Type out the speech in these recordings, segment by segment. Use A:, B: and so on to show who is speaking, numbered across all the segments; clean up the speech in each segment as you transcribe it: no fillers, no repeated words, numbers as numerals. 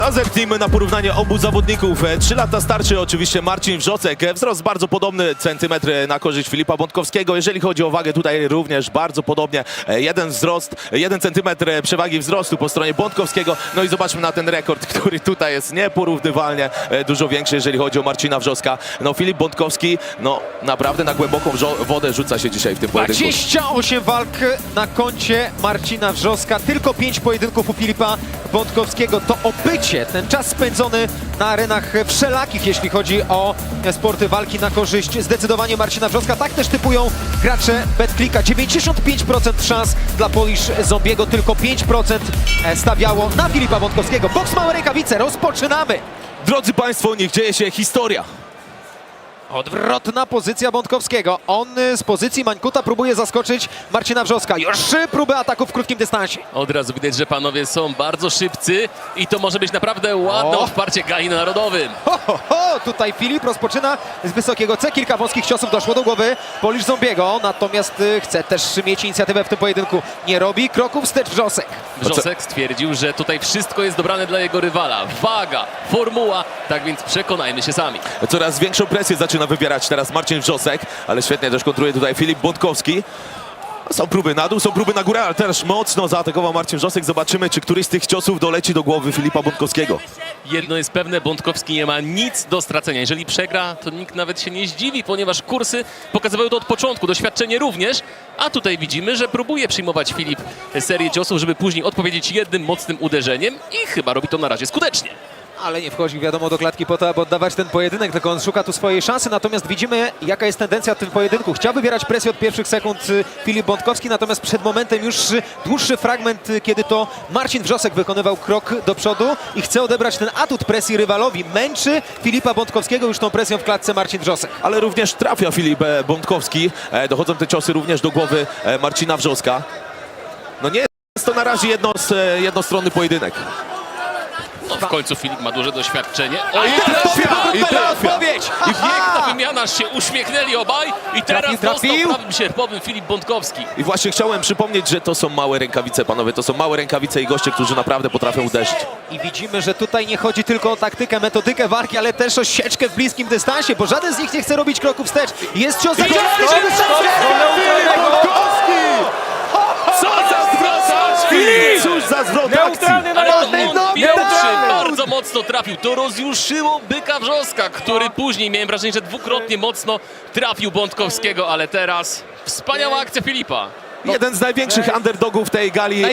A: Zerknijmy na porównanie obu zawodników. 3 lata starszy oczywiście Marcin Wrzosek. Wzrost bardzo podobny, centymetr na korzyść Filipa Bątkowskiego. Jeżeli chodzi o wagę, tutaj również bardzo podobnie. Jeden centymetr przewagi wzrostu po stronie Bątkowskiego. No i zobaczmy na ten rekord, który tutaj jest nieporównywalnie dużo większy, jeżeli chodzi o Marcina Wrzoska. No Filip Bątkowski, no naprawdę na głęboką wodę rzuca się dzisiaj w tym pojedynku.
B: 28 walk na koncie Marcina Wrzoska, tylko 5 pojedynków u Filipa Bątkowskiego. To obycie, ten czas spędzony na arenach wszelakich, jeśli chodzi o sporty walki na korzyść zdecydowanie Marcina Wrzoska. Tak też typują gracze BetClicka. 95% szans dla Polish Zombiego, tylko 5% stawiało na Filipa Bątkowskiego. Boks małe rękawice, rozpoczynamy!
A: Drodzy Państwo, niech dzieje się historia.
B: Odwrotna pozycja Bątkowskiego. On z pozycji Mańkuta próbuje zaskoczyć Marcina Wrzoska. Już 3 próby ataku w krótkim dystansie.
C: Od razu widać, że panowie są bardzo szybcy i to może być naprawdę ładne odparcie gali na Narodowym.
B: Tutaj Filip rozpoczyna z wysokiego C. Kilka wąskich ciosów doszło do głowy Polish Zombiego, natomiast chce też mieć inicjatywę w tym pojedynku. Nie robi kroku wstecz Wrzosek.
C: Wrzosek stwierdził, że tutaj wszystko jest dobrane dla jego rywala. Waga, formuła, tak więc przekonajmy się sami.
A: Coraz większą presję zaczyna wywierać teraz Marcin Wrzosek, ale świetnie też kontruje tutaj Filip Bątkowski. Są próby na dół, są próby na górę, ale też mocno zaatakował Marcin Wrzosek. Zobaczymy, czy któryś z tych ciosów doleci do głowy Filipa Bątkowskiego.
C: Jedno jest pewne, Bątkowski nie ma nic do stracenia. Jeżeli przegra, to nikt nawet się nie zdziwi, ponieważ kursy pokazywały to od początku, doświadczenie również. A tutaj widzimy, że próbuje przyjmować Filip serię ciosów, żeby później odpowiedzieć jednym mocnym uderzeniem i chyba robi to na razie skutecznie.
B: Ale nie wchodzi, wiadomo, do klatki po to, aby oddawać ten pojedynek, tylko on szuka tu swojej szansy, natomiast widzimy, jaka jest tendencja w tym pojedynku. Chciał wybierać presję od pierwszych sekund Filip Bątkowski, natomiast przed momentem już dłuższy fragment, kiedy to Marcin Wrzosek wykonywał krok do przodu i chce odebrać ten atut presji rywalowi. Męczy Filipa Bątkowskiego już tą presją w klatce Marcin Wrzosek.
A: Ale również trafia Filip Bątkowski. Dochodzą te ciosy również do głowy Marcina Wrzoska. No nie jest to na razie jednostronny pojedynek.
C: No, w końcu Filip ma duże doświadczenie.
A: I trafia!
B: Odpowiedź!
C: I piękna wymiana, się uśmiechnęli obaj i teraz
B: Trafił.
C: dostał prawym sierpowym Filip Bątkowski.
A: I właśnie chciałem przypomnieć, że to są małe rękawice, panowie. To są małe rękawice i goście, którzy naprawdę potrafią uderzyć.
B: I widzimy, że tutaj nie chodzi tylko o taktykę, metodykę walki, ale też o sieczkę w bliskim dystansie, bo żaden z nich nie chce robić kroku wstecz. Jest cios za cios!
A: Co za zwrot akcji! Cóż za zwrot akcji!
C: Ale to on pierwszy bardzo mocno trafił. To rozjuszyło byka Wrzoska, który później, miałem wrażenie, że dwukrotnie mocno trafił Bątkowskiego, ale teraz wspaniała akcja Filipa.
A: Jeden z największych underdogów tej gali.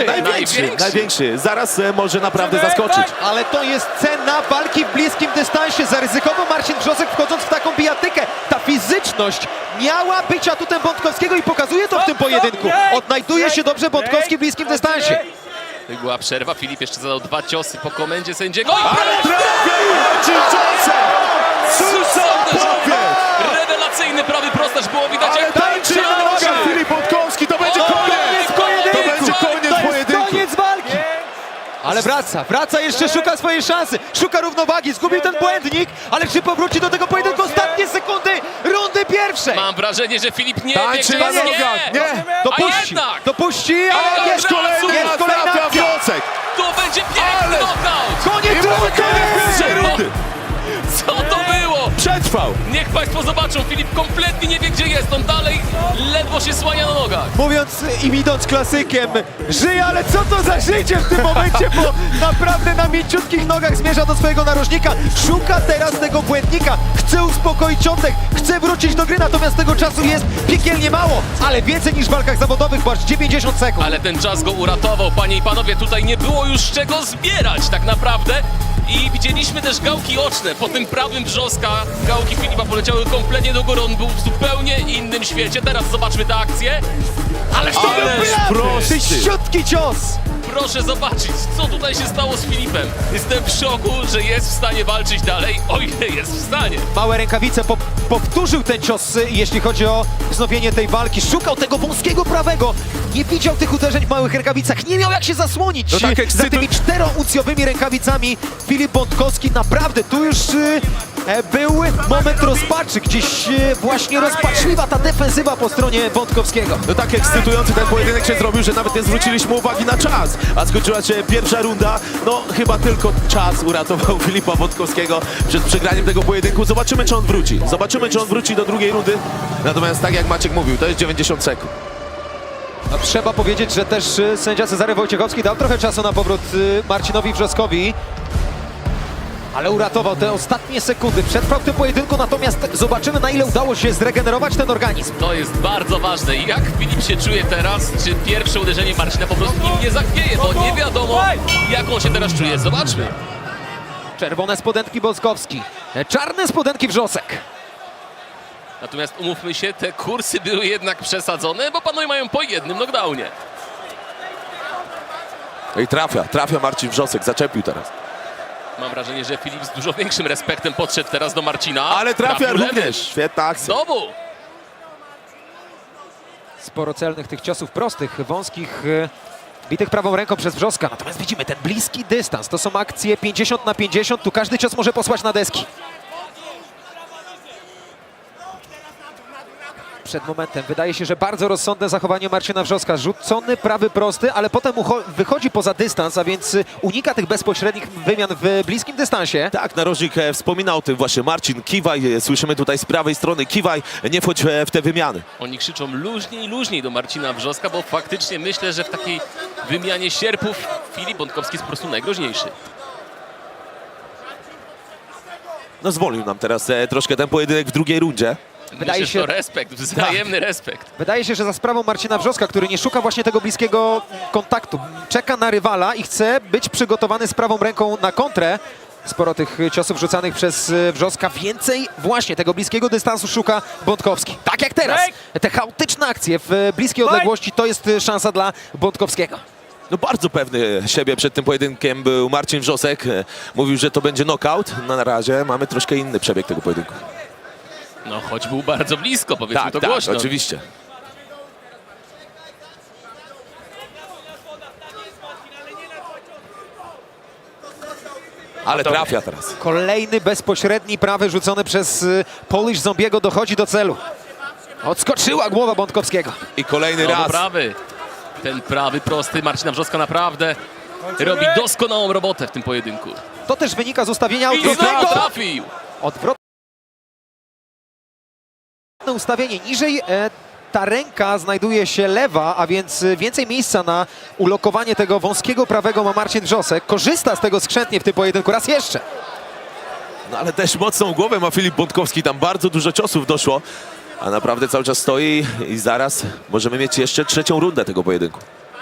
A: Największy. Zaraz może naprawdę zaskoczyć.
B: Ale to jest cena walki w bliskim dystansie. Zaryzykował Marcin Wrzosek, wchodząc w taką bijatykę. Ta fizyczność miała być atutem Bątkowskiego i pokazuje to w tym pojedynku. Odnajduje się dobrze Bątkowski w bliskim dystansie.
C: To była przerwa. Filip jeszcze zadał 2 ciosy po komendzie sędziego.
A: Ale trafił Marcin Wrzosek! Cóż za odpowiedź!
C: Rewelacyjny prawy prostaż, było widać
A: Ale
C: jak
A: tańczy na nogach Filip Bątkowski! To będzie koniec! To będzie koniec pojedynku!
B: Koniec walki! Ale wraca jeszcze, szuka swojej szansy, szuka równowagi, zgubił ten błędnik, ale czy powróci do tego pojedynku? Ostatnie sekundy rundy pierwszej!
C: Mam wrażenie, że Filip nie wie,
A: Tańczy
C: gdzie
A: na
C: jest.
A: nogach! Nie!
B: Dopuści,
C: Ale
B: ale
A: Jest kolejny raz trafia Wrzosek!
C: To będzie piękny knockout!
B: koniec
A: Pierwszej rundy!
C: Co to było?
A: Przetrwał!
C: Niech Państwo zobaczą, Filip kompletnie nie wie, gdzie jest. On dalej ledwo się słania na nogach.
B: Mówiąc im idąc klasykiem, żyje, ale co to za życie w tym momencie, bo naprawdę na mięciutkich nogach zmierza do swojego narożnika. Szuka teraz tego błędnika, chce uspokoić oddech, chce wrócić do gry, natomiast tego czasu jest piekielnie mało, ale więcej niż w walkach zawodowych, bo aż 90 sekund.
C: Ale ten czas go uratował, panie i panowie. Tutaj nie było już czego zbierać tak naprawdę. I widzieliśmy też gałki oczne. Po tym prawym Wrzoska gałki Filipa poleciały kompletnie do góry. On był w zupełnie innym świecie. Teraz zobaczmy tę akcję. Ależ to był
A: prosty!
B: Tyściutki cios!
C: Proszę zobaczyć, co tutaj się stało z Filipem. Jestem w szoku, że jest w stanie walczyć dalej, o ile jest w stanie.
B: Małe rękawice powtórzył ten cios, jeśli chodzi o wznowienie tej walki. Szukał tego wąskiego prawego. Nie widział tych uderzeń w małych rękawicach. Nie miał jak się zasłonić
A: No tak,
B: za tymi 4-uncjowymi rękawicami. Filip Bątkowski naprawdę tu już był moment rozpaczy, gdzieś właśnie rozpaczliwa ta defensywa po stronie Bątkowskiego.
A: No tak ekscytujący ten pojedynek się zrobił, że nawet nie zwróciliśmy uwagi na czas. A skończyła się pierwsza runda. No chyba tylko czas uratował Filipa Bątkowskiego przed przegraniem tego pojedynku. Zobaczymy, czy on wróci. Zobaczymy, czy on wróci do drugiej rundy. Natomiast tak jak Maciek mówił, to jest 90 sekund.
B: No, trzeba powiedzieć, że też sędzia Cezary Wojciechowski dał trochę czasu na powrót Marcinowi Wrzoskowi. Ale uratował te ostatnie sekundy. Przetrwał w tym pojedynku, natomiast zobaczymy, na ile udało się zregenerować ten organizm.
C: To jest bardzo ważne. I jak Filip się czuje teraz? Czy pierwsze uderzenie Marcina po prostu nim nie zachwieje? Bo nie wiadomo, jak on się teraz czuje. Zobaczmy.
B: Czerwone spodenki Bątkowski, czarne spodenki Wrzosek.
C: Natomiast umówmy się, te kursy były jednak przesadzone, bo panowie mają po jednym knockdownie.
A: No i trafia Marcin Wrzosek, zaczepił teraz.
C: Mam wrażenie, że Filip z dużo większym respektem podszedł teraz do Marcina.
A: Ale trafia
C: Trafił lewy.
A: również, świetna akcja.
C: Znowu!
B: Sporo celnych tych ciosów prostych, wąskich, bitych prawą ręką przez Wrzoska. Natomiast widzimy ten bliski dystans. To są akcje 50-50. Tu każdy cios może posłać na deski. Przed momentem wydaje się, że bardzo rozsądne zachowanie Marcina Wrzoska. Rzucony prawy prosty, ale potem wychodzi poza dystans, a więc unika tych bezpośrednich wymian w bliskim dystansie.
A: Tak, narożnik wspominał o tym właśnie. Marcin, kiwaj, słyszymy tutaj z prawej strony, kiwaj, nie wchodź w te wymiany.
C: Oni krzyczą luźniej do Marcina Wrzoska, bo faktycznie myślę, że w takiej wymianie sierpów Filip Bątkowski jest po prostu najgroźniejszy.
A: No zwolnił nam teraz troszkę ten pojedynek w drugiej rundzie.
B: Wydaje
C: Myślę,
B: się-
C: że to respekt, wzajemny respekt.
B: Wydaje się, że za sprawą Marcina Wrzoska, który nie szuka właśnie tego bliskiego kontaktu, czeka na rywala i chce być przygotowany z prawą ręką na kontrę. Sporo tych ciosów rzucanych przez Wrzoska. Więcej właśnie tego bliskiego dystansu szuka Bątkowski. Tak jak teraz. Te chaotyczne akcje w bliskiej odległości to jest szansa dla Bątkowskiego.
A: No bardzo pewny siebie przed tym pojedynkiem był Marcin Wrzosek. Mówił, że to będzie knockout. No, na razie mamy troszkę inny przebieg tego pojedynku.
C: No choć był bardzo blisko, powiedzmy
A: Tak,
C: to
A: tak,
C: głośno.
A: oczywiście. Ale trafia teraz.
B: Kolejny bezpośredni prawy rzucony przez Polish Zombiego dochodzi do celu. Odskoczyła głowa Bątkowskiego.
A: I kolejny
C: Znowu
A: raz.
C: prawy. Ten prawy, prosty Marcina Wrzoska naprawdę robi doskonałą robotę w tym pojedynku.
B: To też wynika z ustawienia
C: I znowu
B: odwrotnego.
C: trafił!
B: Odwrotne ustawienie. Niżej ta ręka znajduje się lewa, a więc więcej miejsca na ulokowanie tego wąskiego prawego ma Marcin Wrzosek. Korzysta z tego skrzętnie w tym pojedynku. Raz jeszcze.
A: No ale też mocną głowę ma Filip Bątkowski. Tam bardzo dużo ciosów doszło. A naprawdę cały czas stoi i zaraz możemy mieć jeszcze trzecią rundę tego pojedynku.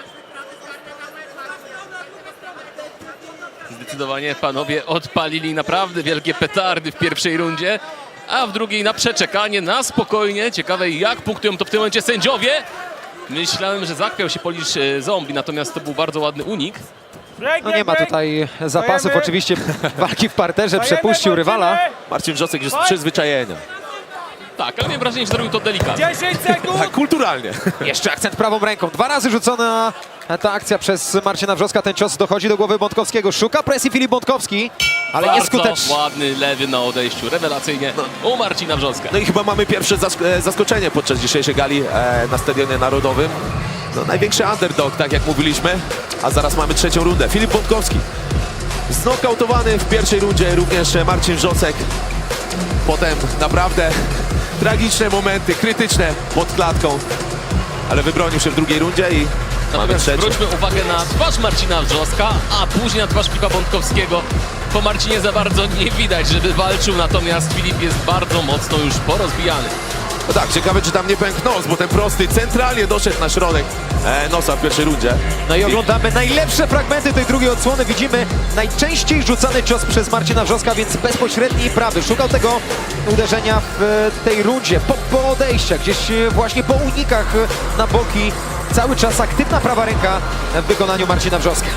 C: Zdecydowanie panowie odpalili naprawdę wielkie petardy w pierwszej rundzie, a w drugiej na przeczekanie, na spokojnie. Ciekawe, jak punktują to w tym momencie sędziowie. Myślałem, że zachwiał się Polish Zombie, natomiast to był bardzo ładny unik.
B: No nie ma tutaj zapasów oczywiście walki w parterze. Przepuścił rywala.
A: Marcin Wrzosek jest z przyzwyczajenia.
C: Tak, ale miałem wrażenie, że zrobił to delikatnie.
D: 10 sekund!
A: Tak, kulturalnie.
B: Jeszcze akcent prawą ręką. 2 razy rzucona ta akcja przez Marcina Wrzoska. Ten cios dochodzi do głowy Bątkowskiego. Szuka presji Filip Bątkowski, ale
C: Bardzo
B: nieskutecznie.
C: ładny lewy na odejściu, rewelacyjnie u Marcina Wrzoska.
A: No i chyba mamy pierwsze zaskoczenie podczas dzisiejszej gali na Stadionie Narodowym. No, największy underdog, tak jak mówiliśmy. A zaraz mamy trzecią rundę. Filip Bątkowski znokautowany w pierwszej rundzie, również Marcin Wrzosek. Potem naprawdę tragiczne momenty, krytyczne pod klatką. Ale wybronił się w drugiej rundzie i mamy
C: Natomiast
A: trzecią.
C: zwróćmy uwagę na twarz Marcina Wrzoska, a później na twarz Filipa Bątkowskiego. Po Marcinie za bardzo nie widać, żeby walczył, natomiast Filip jest bardzo mocno już porozbijany.
A: No tak, ciekawe czy tam nie pękł nos, bo ten prosty centralnie doszedł na środek nosa w pierwszej rundzie.
B: No i oglądamy najlepsze fragmenty tej drugiej odsłony. Widzimy najczęściej rzucany cios przez Marcina Wrzoska, więc bezpośredni prawy. Szukał tego uderzenia w tej rundzie. Po odejściach, gdzieś właśnie po unikach na boki. Cały czas aktywna prawa ręka w wykonaniu Marcina Wrzoska.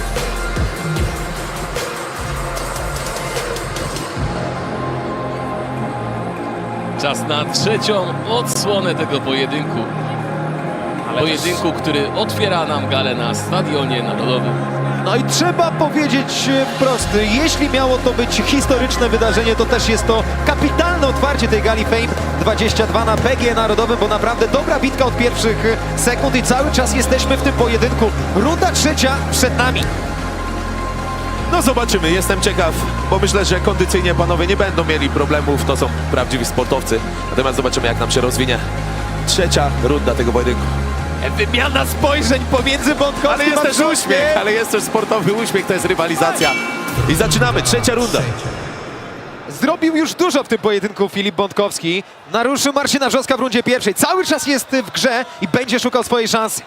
C: Czas na trzecią odsłonę tego pojedynku. Pojedynku, który otwiera nam galę na Stadionie Narodowym.
B: No i trzeba powiedzieć wprost, jeśli miało to być historyczne wydarzenie, to też jest to kapitalne otwarcie tej gali Fame 22 na PGE Narodowym, bo naprawdę dobra bitka od pierwszych sekund i cały czas jesteśmy w tym pojedynku. Runda trzecia przed nami.
A: No zobaczymy, jestem ciekaw, bo myślę, że kondycyjnie panowie nie będą mieli problemów, to są prawdziwi sportowcy. Natomiast zobaczymy, jak nam się rozwinie trzecia runda tego pojedynku.
B: Wymiana spojrzeń pomiędzy Bątkowskim
A: Ale jest
B: a
A: też
B: Wrzoskiem.
A: uśmiech, ale jest też sportowy uśmiech, to jest rywalizacja. I zaczynamy, trzecia runda.
B: Zrobił już dużo w tym pojedynku Filip Bątkowski. Naruszył Marcina Wrzoska w rundzie pierwszej. Cały czas jest w grze i będzie szukał swojej szansy.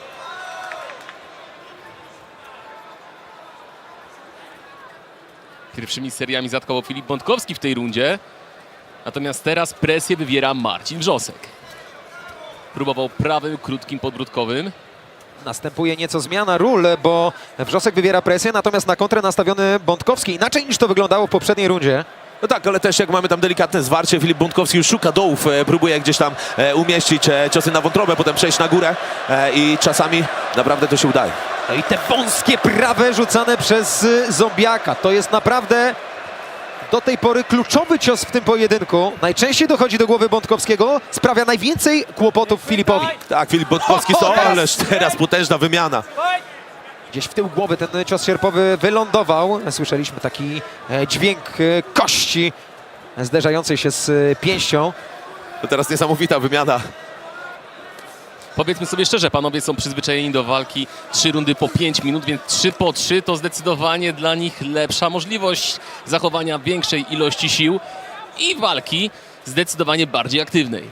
C: Pierwszymi seriami zaatakował Filip Bątkowski w tej rundzie. Natomiast teraz presję wywiera Marcin Wrzosek. Próbował prawym, krótkim, podbródkowym.
B: Następuje nieco zmiana ról, bo Wrzosek wywiera presję, natomiast na kontrę nastawiony Bątkowski. Inaczej niż to wyglądało w poprzedniej rundzie.
A: No tak, ale też jak mamy tam delikatne zwarcie, Filip Bątkowski już szuka dołów, próbuje gdzieś tam umieścić ciosy na wątrobę, potem przejść na górę i czasami naprawdę to się udaje.
B: No i te wąskie prawe rzucane przez Zombiaka. To jest naprawdę do tej pory kluczowy cios w tym pojedynku. Najczęściej dochodzi do głowy Bątkowskiego, sprawia najwięcej kłopotów Filipowi.
A: Tak, Filip Bątkowski, ależ teraz potężna wymiana.
B: Gdzieś w tył głowy ten cios sierpowy wylądował. Słyszeliśmy taki dźwięk kości zderzającej się z pięścią.
A: To teraz niesamowita wymiana.
C: Powiedzmy sobie szczerze, panowie są przyzwyczajeni do walki 3 rundy po 5 minut, więc 3 po 3 to zdecydowanie dla nich lepsza możliwość zachowania większej ilości sił i walki zdecydowanie bardziej aktywnej.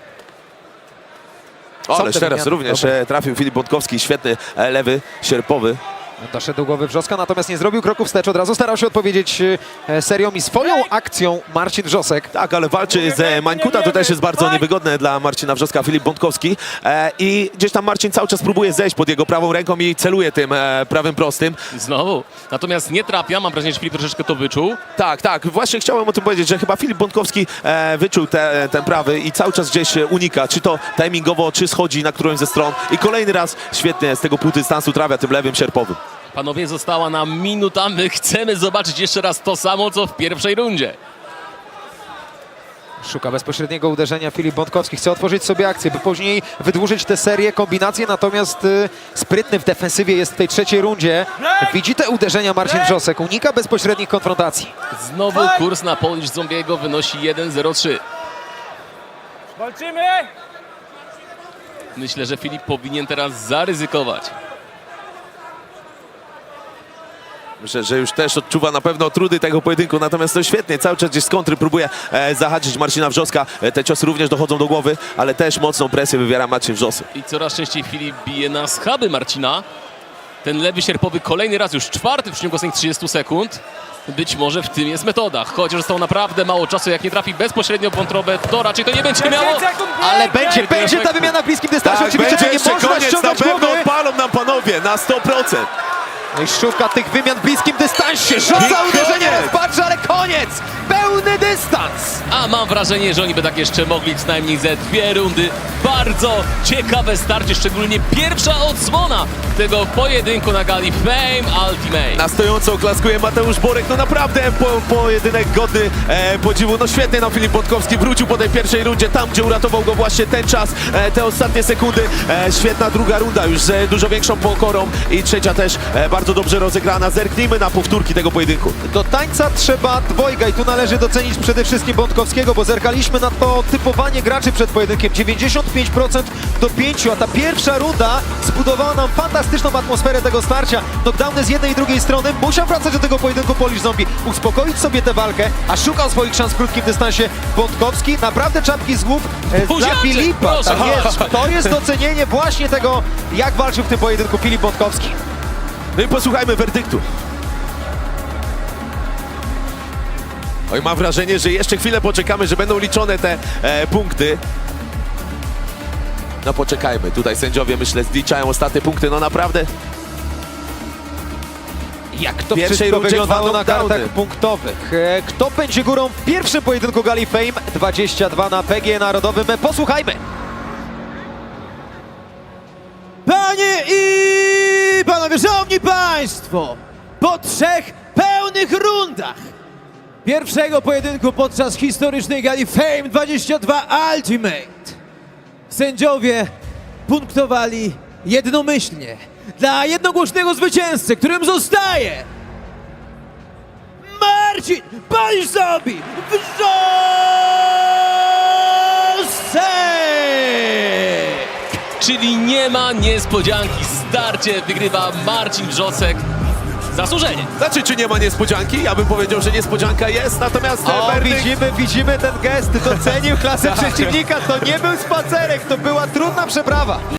A: Ależ
B: te
A: teraz
B: wymiany,
A: również
B: dobre.
A: trafił Filip Bątkowski, świetny lewy, sierpowy.
B: Doszedł do głowy Wrzoska, natomiast nie zrobił kroku wstecz. Od razu starał się odpowiedzieć serią i swoją akcją Marcin Wrzosek.
A: Tak, ale walczy z Mańkuta, to też jest bardzo niewygodne dla Marcina Wrzoska, Filip Bątkowski. I gdzieś tam Marcin cały czas próbuje zejść pod jego prawą ręką i celuje tym prawym prostym.
C: Znowu. Natomiast nie trafia, mam wrażenie, że Filip troszeczkę to wyczuł.
A: Tak, właśnie chciałem o tym powiedzieć, że chyba Filip Bątkowski wyczuł ten prawy i cały czas gdzieś unika, czy to timingowo, czy schodzi na którąś ze stron. I kolejny raz świetnie z tego półdystansu trafia tym lewym sierpowym.
C: Panowie, została nam minuta. My chcemy zobaczyć jeszcze raz to samo, co w pierwszej rundzie.
B: Szuka bezpośredniego uderzenia Filip Bątkowski. Chce otworzyć sobie akcję, by później wydłużyć tę serię, kombinację. Natomiast sprytny w defensywie jest w tej trzeciej rundzie. Widzi te uderzenia Marcin Wrzosek. Unika bezpośrednich konfrontacji.
C: Znowu kurs na Polish Zombiego wynosi 1,03.
D: Walczymy!
C: Myślę, że Filip powinien teraz zaryzykować.
A: Myślę, że już też odczuwa na pewno trudy tego pojedynku, natomiast to świetnie, cały czas gdzieś z kontry próbuje zahaczyć Marcina Wrzoska. Te ciosy również dochodzą do głowy, ale też mocną presję wywiera Marcin Wrzosek.
C: I coraz częściej Filip bije na schaby Marcina. Ten lewy sierpowy kolejny raz, już czwarty w ciągu ostatnich 30 sekund. Być może w tym jest metoda. Chociaż zostało naprawdę mało czasu, jak nie trafi bezpośrednio w wątrobę, to raczej to nie będzie miało.
B: Ale będzie ta wymiana w bliskim dystansie.
A: Tak,
B: Oczywiście
A: będzie
B: to nie
A: jeszcze
B: można
A: koniec, na
B: ściągać
A: pewno
B: głowy.
A: odpalą nam panowie, na 100%.
B: No i szuka tych wymian w bliskim dystansie.
A: I
B: Rzuca uderzenie,
A: koniec.
B: rozpatrzy, ale koniec! Pełny dystans!
C: A mam wrażenie, że oni by tak jeszcze mogli co najmniej ze 2 rundy. Bardzo ciekawe starcie, szczególnie pierwsza odsłona tego pojedynku na gali Fame Ultimate.
A: Na stojąco oklaskuje Mateusz Borek, no naprawdę pojedynek godny podziwu. No świetnie nam Filip Bątkowski wrócił po tej pierwszej rundzie, tam gdzie uratował go właśnie ten czas, te ostatnie sekundy. Świetna druga runda już z dużo większą pokorą i trzecia też bardzo dobrze rozegrana. Zerknijmy na powtórki tego pojedynku.
B: Do tańca trzeba dwojga i tu należy docenić przede wszystkim Bątkowskiego, bo zerkaliśmy na to typowanie graczy przed pojedynkiem. 95% do 5, a ta pierwsza runda zbudowała nam fantastyczną atmosferę tego starcia. Knockdowny z jednej i drugiej strony. Musiał wracać do tego pojedynku Polish Zombie, uspokoić sobie tę walkę, a szukał swoich szans w krótkim dystansie Bątkowski. Naprawdę czapki z głów dla
C: Buziaczek,
B: Filipa.
C: proszę.
B: Tak jest. To jest docenienie właśnie tego, jak walczył w tym pojedynku Filip Bątkowski.
A: No i posłuchajmy werdyktu. Oj, mam wrażenie, że jeszcze chwilę poczekamy, że będą liczone te punkty. No poczekajmy, tutaj sędziowie myślę zliczają ostatnie punkty, no naprawdę.
B: Jak to
A: pierwszej
B: wszystko
A: rundzie
B: wyglądało
A: dwa
B: na
A: knockdowny.
B: kartach punktowych. Kto będzie górą w pierwszym pojedynku gali Fame 22 na PGE Narodowym? Posłuchajmy.
E: Panie i panowie, szanowni państwo, po 3 pełnych rundach pierwszego pojedynku podczas historycznej gali Fame 22 Ultimate. Sędziowie punktowali jednomyślnie dla jednogłośnego zwycięzcy, którym zostaje Marcin Baliszowski Wrzosek!
C: Czyli nie ma niespodzianki. Starcie wygrywa Marcin Wrzosek. Zasłużenie.
A: Znaczy, czy nie ma niespodzianki? Ja bym powiedział, że niespodzianka jest, natomiast
B: O,
A: werdykt...
B: widzimy ten gest, docenił klasę przeciwnika, to nie był spacerek, to była trudna przeprawa.